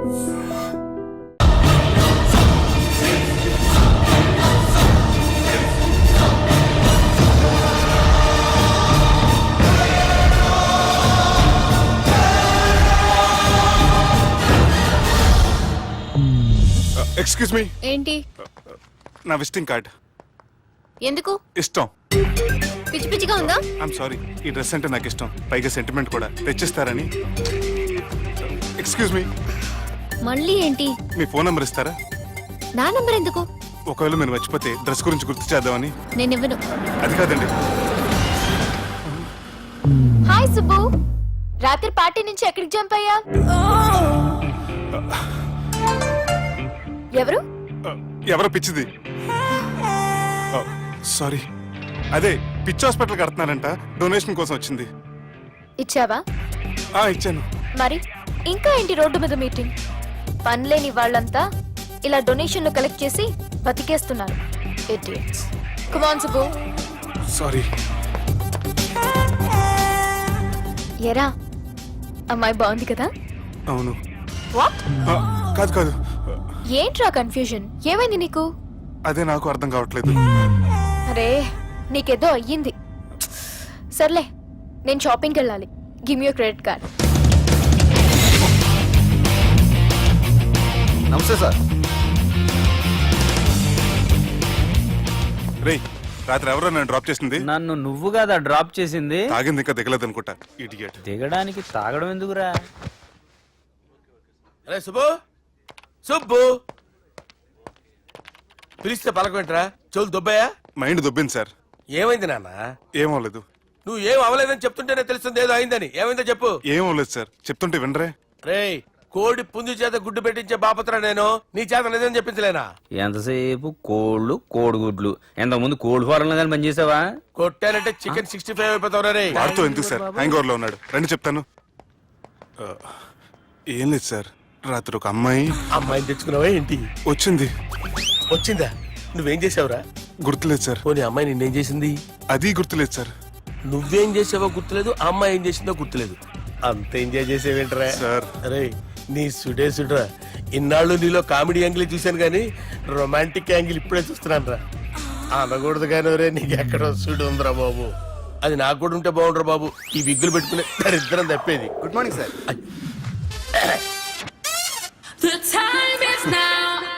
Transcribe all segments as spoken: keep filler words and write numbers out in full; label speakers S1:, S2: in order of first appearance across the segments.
S1: Excuse me.
S2: ఏంటి?
S1: నా visiting card.
S2: ఎందుకు?
S1: ఇష్టం.
S2: పిచ్చి పిచ్చిగా ఉందా?
S1: ఐఎమ్ సారీ, ఈ డ్రెస్ అంటే నాకు ఇష్టం, పైగా సెంటిమెంట్ కూడా. తెచ్చిస్తారని. Excuse me.
S2: మళ్ళీ ఏంటి?
S1: మీ ఫోన్ నంబర్ ఇస్తారా?
S2: నా నంబర్ ఎందుకు?
S1: ఒకవేళ మీరు మర్చిపోతే డ్రెస్ గురించి గుర్తు చేద్దామని.
S2: నేను ఇవ్వను.
S1: అది కాదండి.
S2: హాయ్ సుబ్బు, రాత్రి పార్టీ నుంచి ఎక్కడికి జంప్ అయ్యా? ఎవరు?
S1: ఎవరో పిచ్చిది. సారీ, అదే పిచ్చి హాస్పిటల్ కడుతున్నారంట, డొనేషన్ కోసం వచ్చింది.
S2: ఇచ్చావా?
S1: ఆ ఇచ్చాను.
S2: మరి ఇంకా ఏంటి రోడ్డు మీద మీటింగ్? పనిలేని వాళ్ళంతా ఇలా డొనేషన్లు కలెక్ట్ చేసి బతికేస్తున్నారు. Idiots. Come on Subbu.
S1: Sorry.
S2: ఎరా, అమ్మాయి బాగుంది కదా?
S1: అవును.
S2: వాట్?
S1: కాదు కాదు.
S2: ఏంట్రా కన్ఫ్యూజన్? ఏమైంది నీకు?
S1: అదే నాకు అర్థం కావట్లేదు.
S2: అరే, నీకేదో అయ్యింది. సర్లే, నేను షాపింగ్కి వెళ్ళాలి. Give me your credit card.
S3: నమస్తే సార్.
S1: రే, రాత్రి ఎవరో నన్ను డ్రాప్ చేసింది?
S4: నన్ను నువ్వు కదా డ్రాప్ చేసింది.
S1: తాగింది ఇంకా దిగలేదు అనుకుంటా. ఇడియట్.
S4: దిగడానికి తాగడం ఎందుకురా?
S3: అరే సుబ్బు, సుబ్బు పిలిస్తే పలకమేంట్రా? చెవులు దొబ్బాయా?
S1: Mind దొబ్బింది sir.
S3: ఏమైంది నాన్న?
S1: ఏమవలేదు.
S3: నువ్వు ఏం అవ్వలేదని చెప్తుంటేనే తెలుస్తుంది ఏదో అయిందని. ఏమైందో చెప్పు.
S1: ఏమవలేదు సార్, చెప్తుంటే వినరే.
S3: రేయ్, కోడి పుంజు చేత గుడ్డు పెట్టించే బాపత్ర నేను. నీ చేత నిజం చెప్పించలేనా?
S4: ఎంతసేపు కోళ్ళు కోడిగుడ్లు. ఎంత ముందు కోడి ఫారంలో కానీ పనిచేసావా?
S3: కొట్టానంటే చికెన్ సిక్స్టీ ఫైవ్ అయిపోతావు రే.
S1: వాడుతూ ఎందుకు సార్, హ్యాంగ్ ఓవర్ లో ఉన్నాడు. రండి చెప్తాను. ఆ, ఏం లేదు సార్, రాత్రి ఒక అమ్మాయి.
S3: అమ్మాయిని తెచ్చుకున్నావా ఏంటి?
S1: వచ్చింది.
S3: వచ్చిందా? నువ్వేం చేసావురా?
S1: గుర్తులేదు సార్.
S3: పోనీ అమ్మాయి నిన్నేం చేసింది?
S1: అది గుర్తులేదు సార్.
S3: నువ్వేం చేసావో గుర్తులేదు, ఆ అమ్మాయి ఏం చేసిందో గుర్తులేదు. అంత ఎంజాయ్ చేసేవేంట్రా
S1: సార్?
S3: అరే నీ సుడే సుడ్రా. ఇన్నాళ్ళు నీలో కామెడీ యాంగిల్ చూశాను కానీ రొమాంటిక్ యాంగిల్ ఇప్పుడే చూస్తున్నాను రా. అనకూడదు కానీ రే, నీకు ఎక్కడో సుడు ఉందిరా బాబు. అది నాకు కూడా ఉంటే బాగుండ్రా బాబు. ఈ విగ్గులు పెట్టుకునే దరిద్రం తప్పేది.
S5: Good morning sir.
S6: The time is now.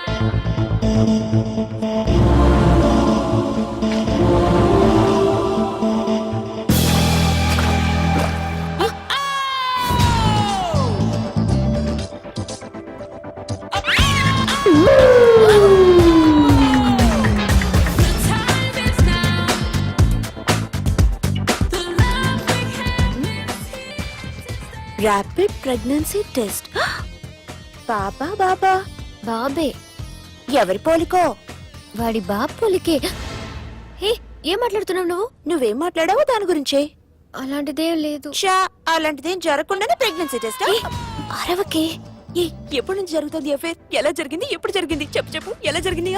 S2: Rapid pregnancy test. బాబా బాబా బాబే. ఎవరి పోలికో? వాడి బాబు పోలికే. హే, ఏం మాట్లాడుతున్నావు నువ్వు? నువ్వేం మాట్లాడావు దాని గురించే? అలాంటిదేం లేదు. షా, అలాంటిదేం జరగకుండానే ప్రెగ్నెన్సీ టెస్ట్? అరవకే. ఏ, ఎప్పటి నుంచి జరుగుతుంది అఫేర్? ఎలా జరిగింది? ఎప్పుడు జరిగింది? చెప్పు చెప్పు, ఎలా జరిగింది?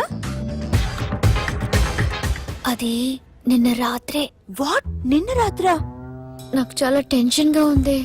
S2: అది నిన్న రాత్రే. వాట్? నిన్న రాత్రా? నాకు చాలా టెన్షన్ గా ఉంది.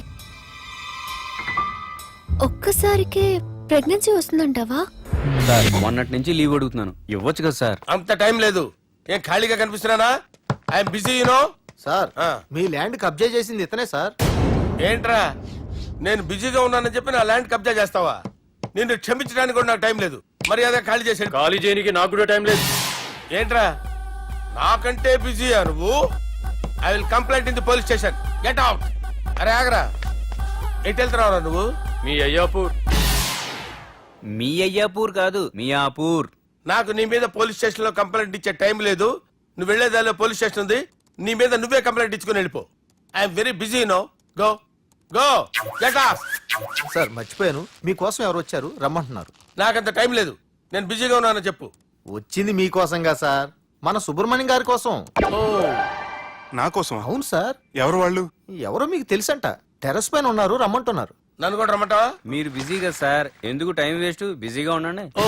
S2: ఒక్కసారికే ప్రెగ్నెన్సీ వస్తుందంటావా?
S4: సార్, మొన్నటి నుంచి లీవ్ అడుగుతున్నాను, ఇవ్వచ్చు కదా సార్?
S3: అంత టైం లేదు. ఏం ఖాళీగా కనిపిస్తున్నానా? I'm busy you know.
S5: సార్, మీ ల్యాండ్ కబ్జా చేసింది ఇతనే సార్.
S3: ఏంట్రా, నేను బిజీగా ఉన్నానని చెప్పి నా ల్యాండ్ కబ్జా చేస్తావా? నిన్ను క్షమించడానికి కూడా నాకు టైం లేదు. మరి అదే ఖాళీ చేసాడు.
S4: ఖాళీ చేయడానికి నాకు కూడా టైం లేదు.
S3: ఏంట్రా, నాకంటే బిజీయా నువ్వు? I will complaint in the police station. Get out. అరే ఆగరా, ఎటు వెళ్తున్నావురా నువ్వు?
S4: మీ అయ్యాపూర్. మీ అయ్యాపూర్ కాదు, మియాపూర్.
S3: నాకు నీ మీద పోలీస్ స్టేషన్ లో కంప్లైంట్ ఇచ్చే టైం లేదు. నువ్వు వెళ్లేదాలో పోలీస్ స్టేషన్ ఉంది. నీ మీద నువ్వే కంప్లైంట్ ఇచ్చుకుని వెళ్ళిపో. I'm very busy no. Go go get off.
S5: Sir, మర్చిపోయాను, మీకోసం ఎవరు వచ్చారు, రమ్మంటున్నారు.
S3: నాకంత టైం లేదు, నేను బిజీగా ఉన్నానని చెప్పు.
S5: వచ్చింది మీకోసంగా సార్, మన సుబ్రహ్మణ్యం గారి కోసం.
S3: ఓ,
S1: నా కోసం?
S5: అవును సార్.
S1: ఎవరు వాళ్ళు?
S5: ఎవరో మీకు తెలుసంట, టెర్రస్ పైన ఉన్నారు, రమ్మంటున్నారు.
S3: నన్ను కూడా రమ్మంటావా?
S4: మీరు బిజీ కదా సార్, ఎందుకు టైం వేస్ట్, బిజీగా ఉండండి.
S3: Oh,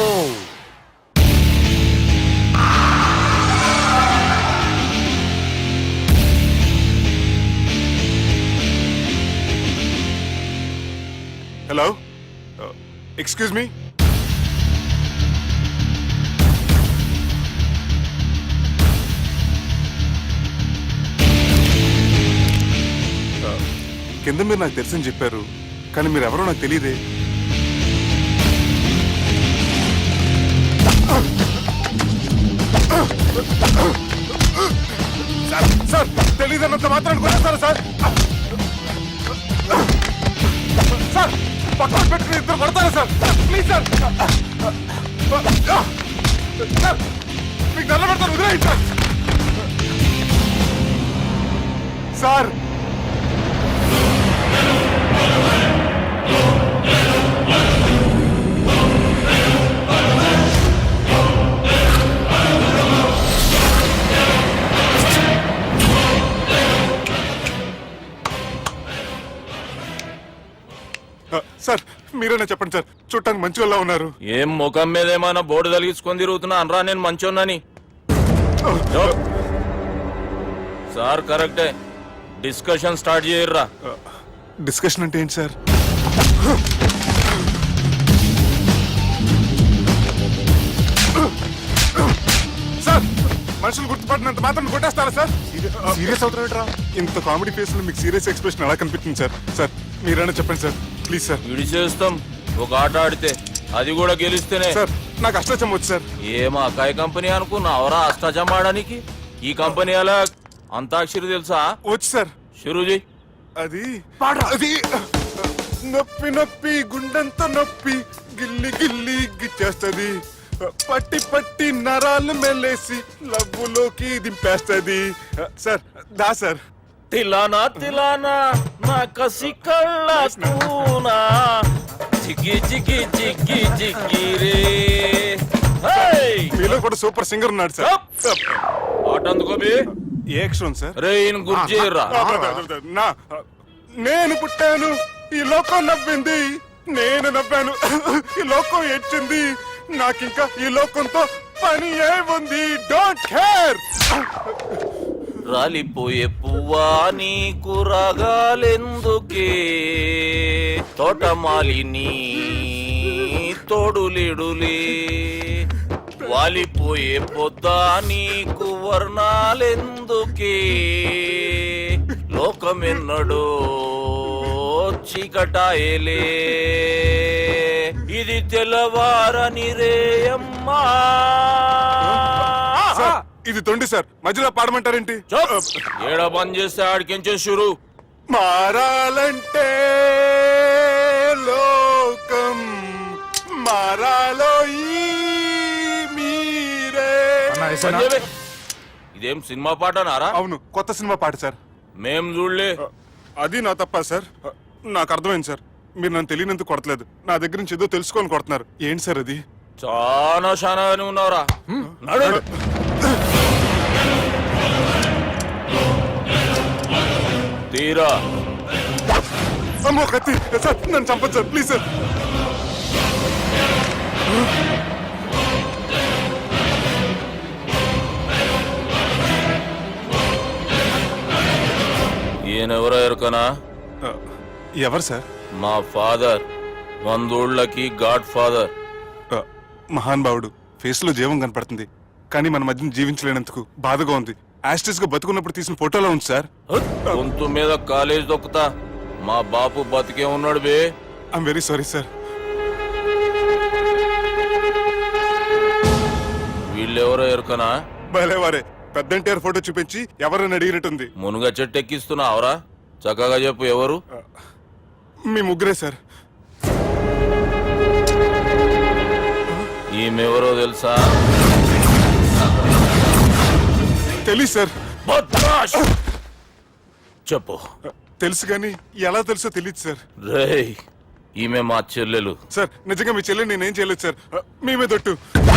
S1: hello, excuse me. కింద మీరు నాకు తెలుసని చెప్పారు, కానీ మీరు ఎవరో నాకు తెలియదే. సార్ సార్ తెలియదన్నంత మాత్రం కొట్టేస్తారా సార్? సార్ పక్కన పెట్టుకుని ఇద్దరు కొడతారా సార్? ప్లీజ్ సార్ సార్ మీకు నల్ల పెడతాను, వదిలేయండి సార్. సార్ సార్ మీరేనా చెప్పండి సార్, చూడటానికి మంచి వాళ్ళ ఉన్నారు.
S7: ఏం ముఖం మీద ఏమైనా బోర్డు తలిగించుకొని తిరుగుతున్నా అనరా నేను మంచోన్నాని. సార్ కరెక్టే, డిస్కషన్ స్టార్ట్ చేయర్రా.
S1: డిస్కషన్ అంటే ఏంటి సార్? సార్ మనుషులు గుర్తుపడినంత మాత్రం కొట్టేస్తారా సార్? సీరియస్ అవుతారా? ఇంత కామెడీ ఫేస్ లో మీకు సీరియస్ ఎక్స్ప్రెషన్ ఎలా కనిపిస్తుంది సార్? సార్ మీరైనా చెప్పండి సార్, ప్లీజ్ సార్.
S7: విడి చేస్తాం ఒక ఆట ఆడితే, అది కూడా గెలిస్తేనే.
S1: సార్ నాకు అష్టాచం వచ్చు సార్.
S7: ఏం అకాయ కంపెనీ అనుకున్నావరా అష్టాచం ఆడడానికి? ఈ కంపెనీ అలా అంతాక్షరి తెలుసా?
S1: వచ్చు సార్.
S7: షురూజీ
S1: అది అది నొప్పి నొప్పి గుండెంతో నొప్పి గిల్లి గిల్లి గిచ్చేస్తది, పట్టి పట్టి నరాలు మెల్లేసి లవ్వులోకి దింపేస్తది. సార్ దా సార్.
S7: తిలానా తిలానా నా కసి కళ్ళ కూనా జిగి జిగి జిగి జిగి రే. హేయ్!
S1: మీలో కూడా సూపర్ సింగర్ ఉన్నాడు సార్.
S7: ఆట అందుకో బే.
S1: ఏ అక్షరం సార్?
S7: రే ఈయన గుర్తు చేయర్రా.
S1: నా నేను పుట్టాను ఈ లోకం నవ్వింది, నేను నవ్వాను ఈ లోకం ఏడ్చింది, నాకింకా ఈ లోకంతో పని ఏముంది? Don't care.
S7: రాలిపోయే పువ్వా నీకు రాగాలెందుకే, తోటమాలిని తోడులిడులే, వాలిపోయే పొద్దా నీకు వర్ణాలెందుకే, లోకమెన్నడో చీకటాయలే, ఇది తెల్లవారని రేయమ్మా.
S1: సార్, ఇది తొండి సార్, మధ్యలో పాడమంటారేంటి?
S7: ఏడా బంద్ చేస్తే ఆడికించే షురు.
S1: మారాలంటే లోకం మారాలో ఈ మీరే.
S7: బంద్ చేయవే. ఇదేం సినిమా పాట నారా?
S1: అవును, కొత్త సినిమా పాట సార్.
S7: మేం చూడలే.
S1: అది నా తప్ప సార్. నాకు అర్థమైంది సార్, మీరు నన్ను తెలియనందుకు కొడతలేదు, నా దగ్గర నుంచి ఏదో తెలుసుకొని కొడుతున్నారు. ఏంటి సార్ అది?
S7: చాలా శానాగానే ఉన్నావురా. నడు. తీరా.
S1: అమ్మో కత్తి సార్, నన్ను చంపదు సార్, ప్లీజ్ సార్.
S7: ఈయనెవరో ఎరుకనా?
S1: ఎవరు సార్?
S7: మా ఫాదర్, వందోళ్ళకి గాడ్ ఫాదర్.
S1: మహాన్ భావుడు, ఫేస్ లో జీవం కనపడుతుంది, కానీ మన మధ్యన జీవించలేనందుకు బాధగా ఉంది. యాస్టిస్ గా బతుకున్నప్పుడు తీసిన ఫోటోలో ఉంది సార్.
S7: గొంతు మీద కాలేజ్ దొక్కుతా. మా బాపు బతికే ఉన్నాడు బే.
S1: I'm very sorry sir.
S7: వీళ్ళెవరో ఎరుకనా?
S1: భలేవారే, పెద్ద ఎన్టీఆర్ ఫోటో చూపించి ఎవరైనా అడిగినట్టుంది.
S7: మునుగ చెట్టు ఎక్కిస్తున్నావురా? చక్కగా చెప్పు ఎవరు?
S1: మీ ముగ్గురే సార్.
S7: ఈమెవరో తెలుసా?
S1: తెలీదు సార్.
S7: బద్మాష్! చెప్పు.
S1: తెలుసు కానీ ఎలా తెలుసో తెలియదు సార్.
S7: రేయ్, ఈమె మా చెల్లెలు.
S1: సార్ నిజంగా మీ చెల్లెని నేనేం చేయలేదు సార్, మీ మీద ఒట్టు.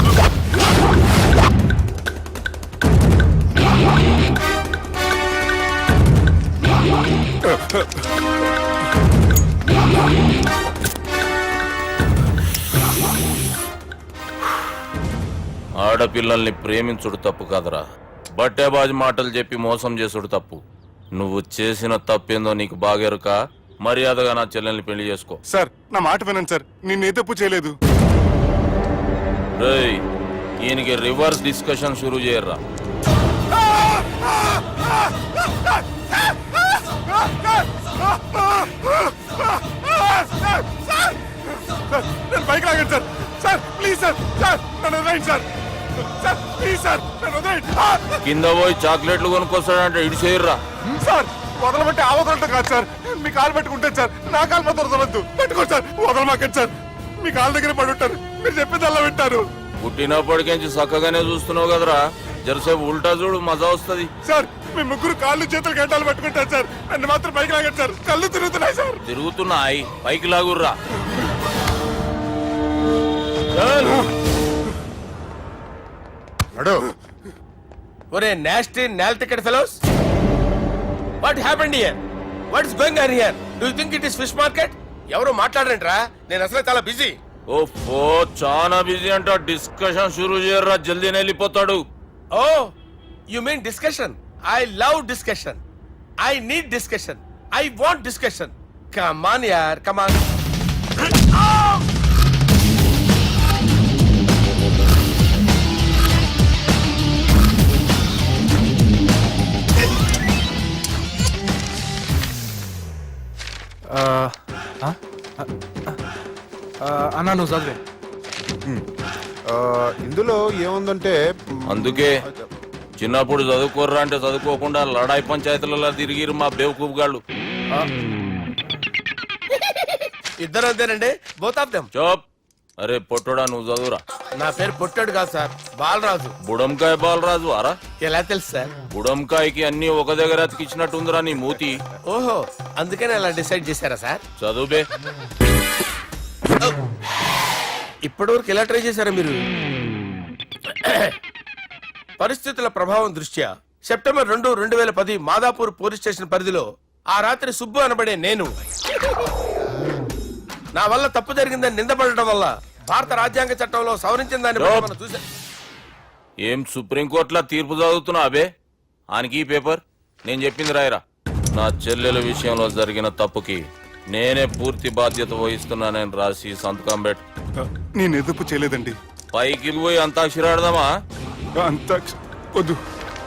S7: ఆడపిల్లల్ని ప్రేమించుడు తప్పు కాదురా, బట్టేబాజు మాటలు చెప్పి మోసం చేసుడు తప్పు. నువ్వు చేసిన తప్పేందో నీకు బాగెరుక. మర్యాదగా నా చెల్లెల్ని పెళ్లి చేసుకో.
S1: సార్ నా మాట వినండి సార్, నేను ఏ తప్పు చేయలేదు.
S7: రేయ్ ఈయనకి రివర్స్ డిస్కషన్ షురూ చేయర్రా.
S1: సార్ నేను బైక్ లాగండి sir. Sir please sir, sir నన్ను వదిలేయండి సార్. సార్ ప్లీజ్ సార్ నన్ను వదిలేయండి.
S7: కింద పోయి చాక్లెట్లు కొనుక్కొస్తాడంటే ఇటు చేయర్రా.
S1: సార్ వదలబట్టి ఆ వదలటం కాదు సార్, మీ కాలు పెట్టుకుంటాను సార్. నా కాలు మాత్రం వదలొద్దు, పెట్టుకోండి సార్. వదలమాకండి సార్, మీ కాలు దగ్గర పడి ఉంటారు. మీరు చెప్పింది అలా వింటారు.
S7: పుట్టినప్పటికేంచి చక్కగానే చూస్తున్నావు కదరా, జరసేపు ఉల్టా చూడు మజా వస్తుంది.
S1: సార్ మీ ముగ్గురు కాళ్ళు చేతులు గంటలు పట్టుకుంటారు సార్, నన్ను మాత్రం పైకి లాగండి సార్. కళ్ళు తిరుగుతున్నాయి సార్.
S7: తిరుగుతున్నాయి పైకి లాగుర్రా.
S3: ఒరే nasty null ticket fellows, what happened here? What is going on here? Do you think it is fish market? ఎవరు మాట్లాడరంట్రా, నేను అసలే చాలా బిజీ.
S7: ఓ చాలా బిజీ అంట. డిస్కషన్ షురూ చేయర్రా, జల్దీ వెళ్ళిపోతాడు.
S3: Oh you mean discussion? I love discussion. I need discussion. I want discussion. Come on యార్, కమ్ ఆన్.
S5: అన్నా నువ్వు చదివే.
S1: ఇందులో ఏముందంటే
S7: అందుకే చిన్నప్పుడు చదువుకోర్రా అంటే చదువుకోకుండా లడాయి పంచాయతీలలో తిరిగిరు మా బేవకూఫ్ గాళ్ళు.
S3: ఇద్దరు అంతేనండి, బోత్ ఆఫ్ దెమ్.
S7: చోప్. అరే పొట్టోడా నువ్వు చదువురా.
S3: నా పేరు పొట్టాడు కాదు సార్, బాలరాజు.
S7: బుడంకాయ బాలరాజు అరా?
S3: ఎలా తెలుసు సార్?
S7: బుడంకాయకి అన్ని ఒక దగ్గర అతికిచ్చినట్టుందిరా నీ మూతి.
S3: ఓహో, అందుకని అలా డిసైడ్ చేశారా సార్?
S7: చదువుబే.
S3: ఇప్పటి వరకు ఎలా ట్రై చేశారా మీరు? పరిస్థితుల ప్రభావం దృష్ట్యా సెప్టెంబర్ రెండు రెండు వేల పది మాదాపూర్ పోలీస్ స్టేషన్ పరిధిలో ఆ రాత్రి సుబ్బు అనబడే నేను నా వల్ల తప్పు జరిగిందని నిందపడటం వల్ల భారత రాజ్యాంగ చట్టంలో సవరించిన దాన్ని బట్టి మనం చూసా.
S7: ఏం సుప్రీంకోర్టులో తీర్పు చదువుతున్నా అబే? ఆనికి ఈ పేపర్ నేను చెప్పింది రాయరా. నా చెల్లెల విషయంలో జరిగిన తప్పుకి నేనే పూర్తి బాధ్యత వహిస్తున్నానని రాసి సంతకం పెట్టు.
S1: నేను ఎదుపు చేయలేదండి.
S7: పైకి పోయి అంతాక్షరి ఆడదామా?
S1: అంత వద్దు.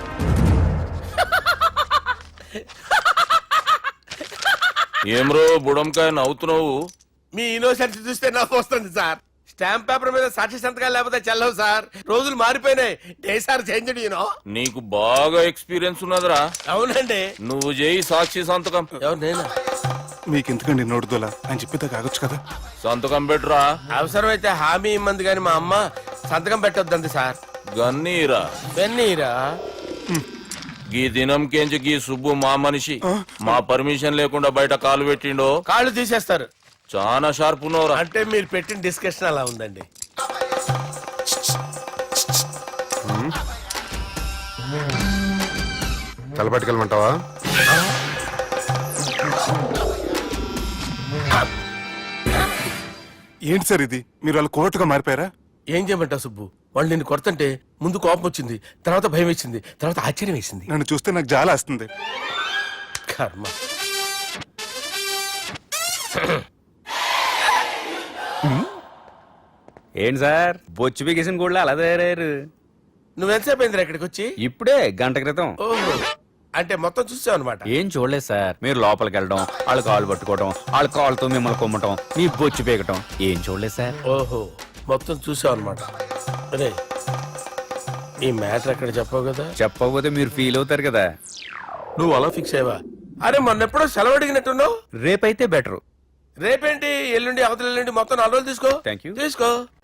S7: ఏమ్రో బుడంకాయ నవ్వుతున్నావు?
S3: మీ ఇన్నోసెన్స్ చూస్తే నవ్వు వస్తుంది సార్. స్టాంప్ పేపర్ మీద సాక్షి సంతకాలు లేకపోతే చెల్లవు సార్. రోజులు మారిపోయినాయి. Day sir change you know.
S7: నీకు బాగా ఎక్స్పీరియన్స్ ఉన్నదిరా.
S3: అవునండి.
S7: నువ్వు చేయి సాక్షి సంతకం.
S3: ఎవరు నేనా?
S1: మీకు ఎందుకండి నోడుదోలా అని చెప్పితే కాగొచ్చు కదా.
S7: సంతకం పెట్టురా.
S3: అవసరమైతే హామీ ఇమ్మంది కానీ మా అమ్మ సంతకం పెట్టొద్దండి సార్.
S7: గన్నీరా
S3: వెన్నీరా.
S7: గీ దినం కేంచి గీ సుబ్బు మా మనిషి మా పర్మిషన్ లేకుండా బయట కాలు పెట్టిండో
S3: కాళ్ళు తీసేస్తారు.
S7: చాలా షార్ప్ ఉన్నవరా.
S3: అంటే మీరు పెట్టిన డిస్కషన్ అలా ఉందండి.
S1: తలపట్టుకెళ్ళమంటావా? ఏంటి సార్ ఇది, మీరు వాళ్ళు కోర్టుగా మారిపోయారా?
S3: ఏం చేయమంటావు సుబ్బు? వాళ్ళు నిన్ను కొడుతుంటే ముందు కోపం వచ్చింది, తర్వాత భయం వేసింది, తర్వాత ఆశ్చర్యం వేసింది.
S1: నన్ను చూస్తే నాకు జాలా వస్తుంది.
S3: కర్మ.
S4: ఏంటి సార్ బొచ్చు బిగేసిన కూడా అలా తయారయ్యారు?
S3: నువ్వెంతసేపు అయిందిరా ఇక్కడికి వచ్చి?
S4: ఇప్పుడే గంట క్రితం.
S3: ఓహో, అంటే మొత్తం చూసావు అనమాట.
S4: ఏం చూడలేదు సార్. మీరు లోపలికి వెళ్ళడం, వాళ్ళ కాళ్ళు పట్టుకోవడం, వాళ్ళ కాళ్ళతో మిమ్మల్ని కొమ్మటం, మీ బొచ్చు పీకటం ఏం చూడలేదు సార్.
S3: ఓహో, మొత్తం చూసావు అనమాట. అరే ఈ మ్యాటర్ అక్కడ చెప్పావు కదా.
S4: చెప్పకపోతే మీరు ఫీల్ అవుతారు కదా.
S3: నువ్వు అలా ఫిక్స్ అయ్యవా? అరే మొన్నెప్పుడో సెలవు అడిగినట్టున్నావు.
S4: రేపైతే బెటర్.
S3: రేపేంటి, ఎల్లుండి అవతల ఎల్లుండి మొత్తం నాలుగు రోజులు తీసుకో.
S4: Thank you.
S3: తీసుకో.